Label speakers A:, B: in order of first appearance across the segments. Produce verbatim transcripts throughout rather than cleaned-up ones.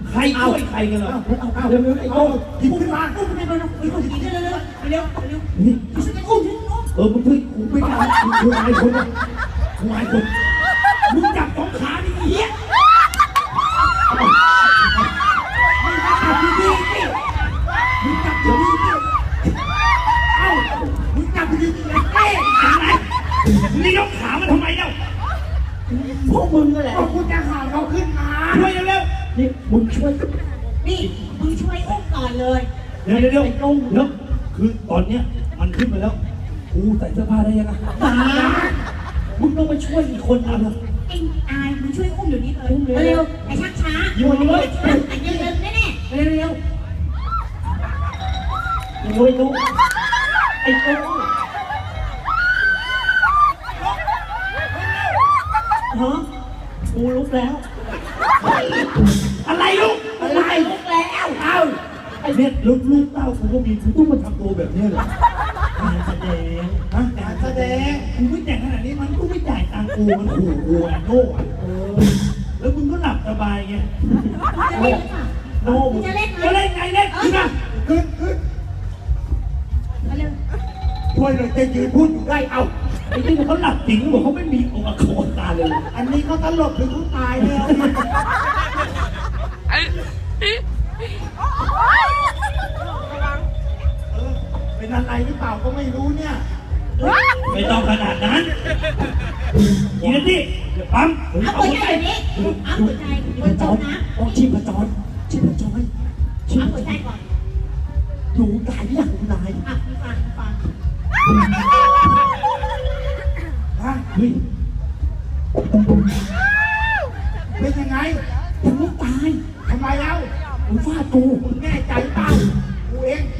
A: ใครช่วยใครกันเหรอเอาเอาเร็วๆไอ้โต้หยิบขึ้นมาอุ้มขึ้นมาเร็วๆหยิบขึ้นเร็วๆเร็วๆเร็วๆนี่ช่วยกันอุ้มเออมึงช่วยกูไม่ได้กูอายคนกูอายคนมึงจับสองขาดิเหี้ยมึงจับดีๆดิมึงจับดีๆดิเอ้ามึงจับดีๆดิเอ๊ะยังไงนี่ยกขามันทำไมเล่าพวกมึงนั่นแหละพวกกูจะหาเขาขึ้นมาช่วยเร็วๆนี่มึงช่วย
B: นี่มึงช่วยอุ้มก่อนเลย
A: เดี๋ยวเดี๋ยวเดี๋ยวเดี๋ยวคือตอนเนี้ยมันขึ้นมาแล้วกูใส่เสื้อผ้าได้ยังไงตามึงต้องไปช่วยอีกคนนึงนะ
B: ไอ้อายมึงช่วยอุ้มเดี๋ยวนี้เลยเร็วไอ้ชักช้า
A: อยู่เลย
B: ไอ้เร็วเร็วแน่แน่เร็วเร็ว
A: ไอ้นุ้ยไอ้นุ้ยฮะกูลุกแล้วอะไรลุกอะไรลุกแล้วเอ้าไอ้เนี่ยลูกลูกเต้ากูก็มีกูต้องมาทำตัวแบบนี้เหรอการแสดงฮะการแสดงกูไม่แต่งขนาดนี้มันกูไม่จ่ายตังกูมันขู่กูอ่ะโน่อ่ะเออแล้วมึงก็หลับสบายไงโน่จะเล่นจะเล่นไงเล่นขึ้นมาขึ้นขึ้นช่วยเลยจะยืนพูดอยู่ได้เอ้าไอ้ที่เขาหลับจริงหรือเปล่าเขาไม่มีองค์โคตาเลยอันนี้เขาตลกหรือเขาตายแล้วเป็นอะไรหรือเปล่าก็ไม่รู้เนี่ยไม่ต้องขนาดนั้นยีนที่ปั๊ม
B: เอาหัวใจแบบนี้เอาหัวใจหัวจมนะ
A: ต้องชีพจรชีพจร
B: เอาหัวใจก่อน
A: ดูตายอย่างนาย
B: อ่ะฟังฟัง
A: ฮะเฮ้ยเป็นยังไงยังไม่ตายทำไมเล่ามึงฟาดกูมึงแน่ใจเปล่ากูเอง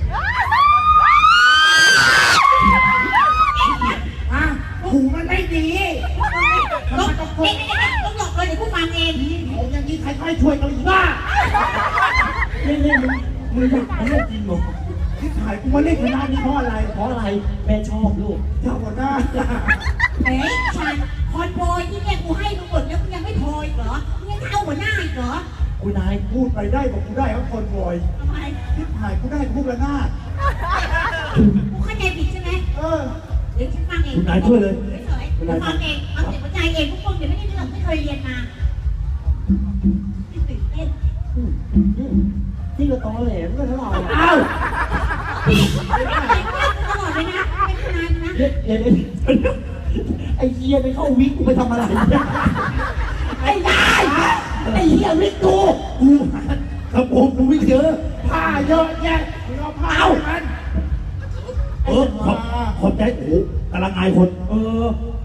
A: อ่ะหูมันไม่ดี
B: ต้องต้องต้องหลอกเลยเดี๋ยวกูฟังเอง
A: ผมอย่างนี้ใครๆช่วยกันอีกบ้าเล่นเล่นมึงมึงอยากได้จริงเหรอที่ถ่ายกูมาเล่นคณะนี้เพราะอะไรเพราะอะไรแม่ชอบลูกชอบหัวหน้า
B: เฮ้ยฉันคอนโพยที่เนี่ยกูให้มึงหมดแล้วมึงยังไม่โพยเหรอมึงยังเอาหัวหน้าอีกเหรอ
A: กูนายพูดไปได้บอกกูได้ครับคนบอย
B: ทำไม
A: ที่ถ่ายกูได้พูดละหน้า
B: กูเข้าใจผิดใช่ไหม
A: เออ
B: เดี๋ยวฉันฟังเอง
A: คุณนายช่วยเลย
B: เฉยๆฟังเองเอาเสียงหัวใจเองพวกคนเดี๋ยวไม่ได้เรื่องไม่เคยเรียนมาตื่นเต้น
A: ที่กระตอแหลมก็เท่าไหร่อ้าว
B: ตลอดเลยนะเป็นนานนะ
A: เดี๋ยวไอ้เฮียไปเข้าวิกกูไปทำอะไรไอ้ยายไอ้เฮียวิกกูกูกระโปรงกูวิกเยอะผ้าเยอะแยะมึงเอาผ้าเอามันเออขอบขอบใจโอ้กำลังอายคนเออ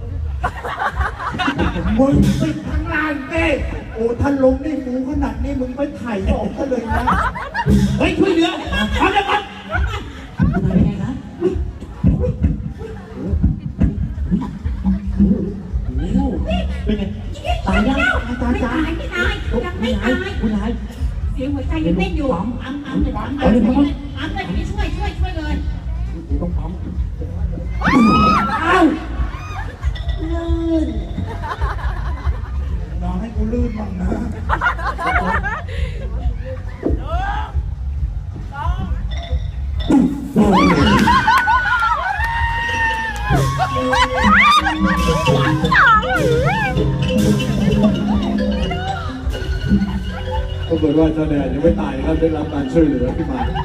A: มึงปิดทั้งลานเต้โอ้ท่านลงได้ฟูขนาดนี้มึงไปถ่ายออกก็เลยนะเฮ้ยช่วยเหลือทำได้ปะเป็นไงนะเป็นไงตายยังตายตาย
B: ไม่ตายยังไม่ตาย
A: คุณนาย
B: เสียงหัวใจยังเต้นอยู่ปั๊มปั๊มปั๊มเลยปั๊มปั๊มเลยปั๊มเลยนี่ช่วยช่วยช่วยเลย
A: ต้องปั๊มอ้าวลื่นน้องให้กูลื่นบ้างนะปรากฏว่าเจ้าแดนยังไม่ตายนะครับได้รับการช่วยเหลือขึ้นมา